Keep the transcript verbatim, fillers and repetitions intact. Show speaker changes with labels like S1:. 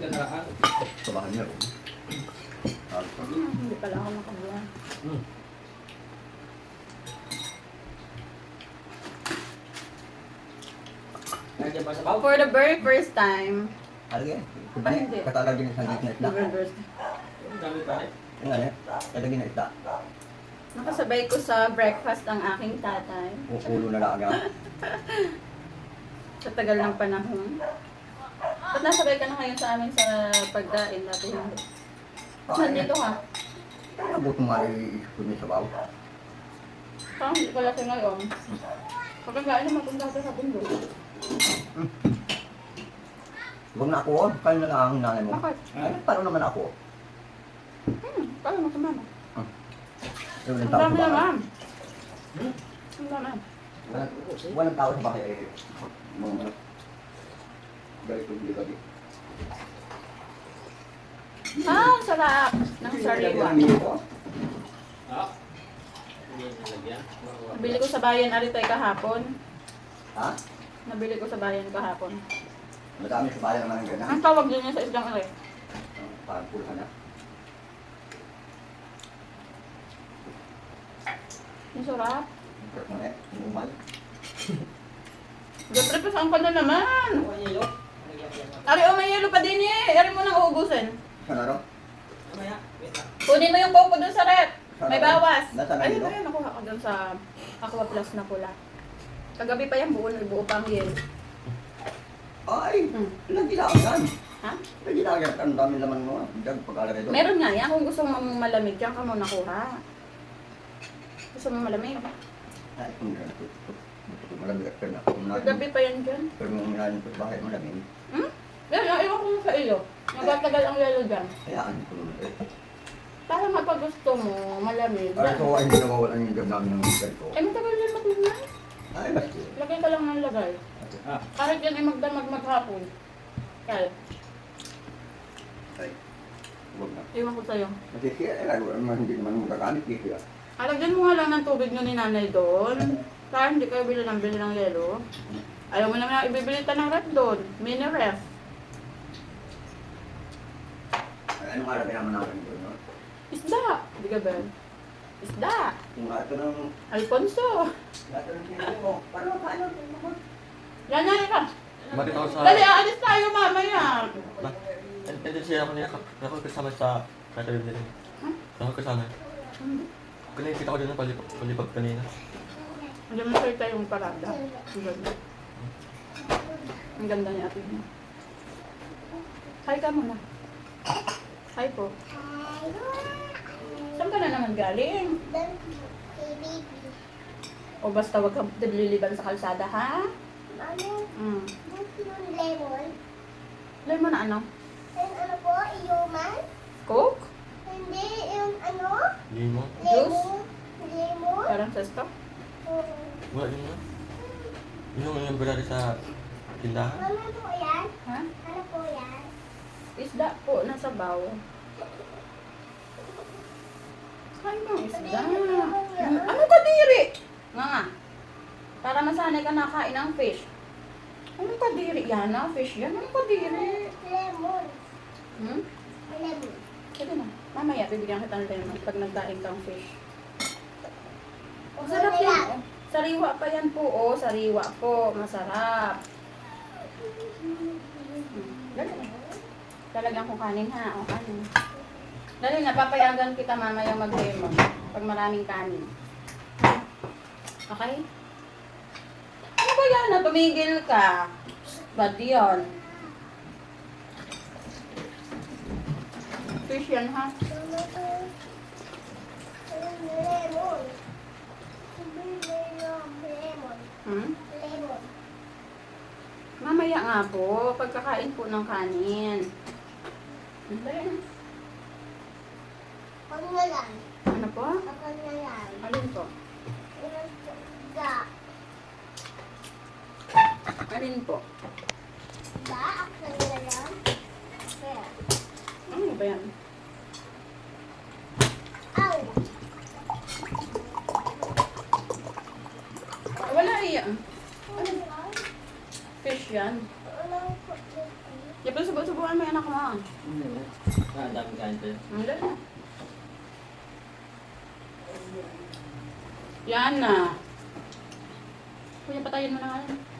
S1: nakaraan.
S2: Sabahan niya.
S3: Hmm, hindi pala ako nakabuha.
S1: Hmm. Nandiyan pa sa baw?
S3: For the very first time,
S2: Alagay.
S3: Ay, hindi.
S2: Katalagin ng sanggit na isda.
S3: the very first
S1: Ang dami pa eh.
S2: Yung ano, katalagin na isda.
S3: nakasabay ko sa breakfast ang aking tatay.
S2: Ulo na lang agad.
S3: Sa tagal ng panahon. Ba't nasabay ka na ngayon sa amin sa pagkain dati hindi? Nandito ka.
S2: Nabot mo nga iisip ko niya sa baw.
S3: Parang hindi pala siya ngayon. Pagkagain naman kung dati sa bundok.
S2: Huwag na ako, kayo na lang ang nanay mo.
S3: Bakit?
S2: Ay, paano naman ako?
S3: Hmm, paano mo sumama?
S2: Yung
S3: Ang
S2: tao sa
S3: dami
S2: bahay.
S3: naman.
S1: Hmm?
S3: Ang dami.
S2: Walang, walang tao sa bahay. Eh, mga ano. Galit ko dito.
S3: Ah, ang sarap ng sariwa.
S1: Ah. Hindi nalagyan.
S3: Nabili ko sa bayan aritay kahapon.
S2: Ha?
S3: Nabili ko sa bayan kahapon.
S2: Madami sa bahay naman ang ganyan.
S3: Ang tawag din niya sa isdang arit.
S2: Parang pulhan na.
S3: Ang sarap.
S2: Ano eh, umumal.
S3: Gaprepasan ka na naman.
S1: Ano yelo?
S3: Ari, oh, may yelo pa din eh. Ari mo nang uubusin.
S2: Saan ano?
S1: Mamaya. Wait lang.
S3: Kunin mo yung coco dun sa rep. May bawas.
S2: Nasaan na
S3: Ayun,
S2: yelo?
S3: ayun, nakuha ko dun sa Aqua Plus na pula. Kagabi pa yan, buo, buo pa ang yelo.
S2: Ay,
S3: Hmm.
S2: ilang ginagawa yan?
S3: Ha?
S2: Ilang ginagawa yan? Ang dami naman mo. Dag pag-alagay doon.
S3: Meron nga yan. Kung gusto mo malamig, diyan ka muna kuha. Gusto mo malamig?
S2: Ay, kung gano'n. Malamig at na.
S3: Kagabi pa yan dyan.
S2: Pero nung minanin ko sa bahay, malamig.
S3: Hmm? Yan, yung iwan ko sa iyo. Nagtatagal ang yelo dyan.
S2: Hayaan ko naman eh.
S3: Para mapag gusto mo, malamig.
S2: Ay, so ay hindi nawawalan yung gab namin ng ganito.
S3: Eh, matagal yan matunan.
S2: Ay, basta.
S3: Lagay ka lang ng lagay.
S1: Ah.
S3: Kahit yan ay magdamag maghapon. Kaya,
S2: Ay, huwag na.
S3: iwan ko sa'yo.
S2: Kasi siya, eh, lalo naman hindi naman magagamit eh, siya.
S3: Alagyan mo nga lang ng tubig nyo ni nanay doon. Para hindi kayo bili ng bili ng yelo. Ayaw mo naman ibibili ta ng ref doon. Mini ref.
S2: Ay, anong araw naman namin doon, no?
S3: Isda. Hindi ka ba? Isda.
S2: Yung ato ng,
S3: Alfonso.
S2: ato ng pinili mo, para paano?
S3: Yan yan ka.
S4: Bakit ako sa...
S3: Dali, aalis tayo mamaya.
S4: Hindi siya ako niya. Ako kasama sa... Katabi din.
S3: Hmm?
S4: Ako kasama. Kanina kita ko din ng palipag, palipag kanina.
S3: Hindi mo sa'yo tayong parada. Ang ganda. Ang ganda niya ate niya. Hi ka muna. Hi po. Saan ka na naman galing? O basta wag ka liliban sa kalsada, ha?
S5: Ano?
S3: Mm.
S5: Yung lemon?
S3: Lemon na ano?
S5: Yung ano po? Iyoman?
S3: Coke?
S5: Hindi, yung ano?
S4: Hindi mo.
S5: Lemon? Lemon?
S3: Parang sesto?
S5: Oo.
S4: Wala din mo. Yung yung berada sa tindahan.
S5: Ano po yan?
S3: Ha?
S5: Ano po yan?
S3: Isda po, nasa baw. Kain ng isda. Hmm, Ano ka diri? Nga nga. Para masanay ka nakain ng fish. Ano ka diri? Yan na, fish yan. Ano ka diri?
S5: Lemon.
S3: Hmm?
S5: Lemon.
S3: Sige na. Mamaya, bibigyan kita ng lemon pag nagdaing kang fish. Oh, sarap yan. Sariwa pa yan po. Oh, sariwa po. Masarap. Hmm. Dali na. Talagyan ko kanin ha. O, kanin. Dali na, papayagan kita mamaya mag-lemon. Pag maraming kanin. Okay? Ano ba yan? Na tumigil ka. Bad yun. Fish yan ha.
S5: Ano po? Lemon. Lemon.
S3: Hmm?
S5: Lemon.
S3: Mamaya nga po, pagkakain po ng kanin. Dali na.
S5: Ako na lang.
S3: Ano po?
S5: Ako na lang.
S3: Alin po?
S5: Ga.
S3: Alin po?
S5: Ga? Ako na lang. Kaya.
S3: Ano ba yan?
S5: Ow!
S3: Wala iyan. Fish yan.
S5: Ano po?
S3: Yan po sa subo-subuan mo yung anak mo. ah.
S1: Hindi na. Ah, ang dami kain tayo.
S3: Hindi na. Yan na. Kuya, patayin mo na nga yan.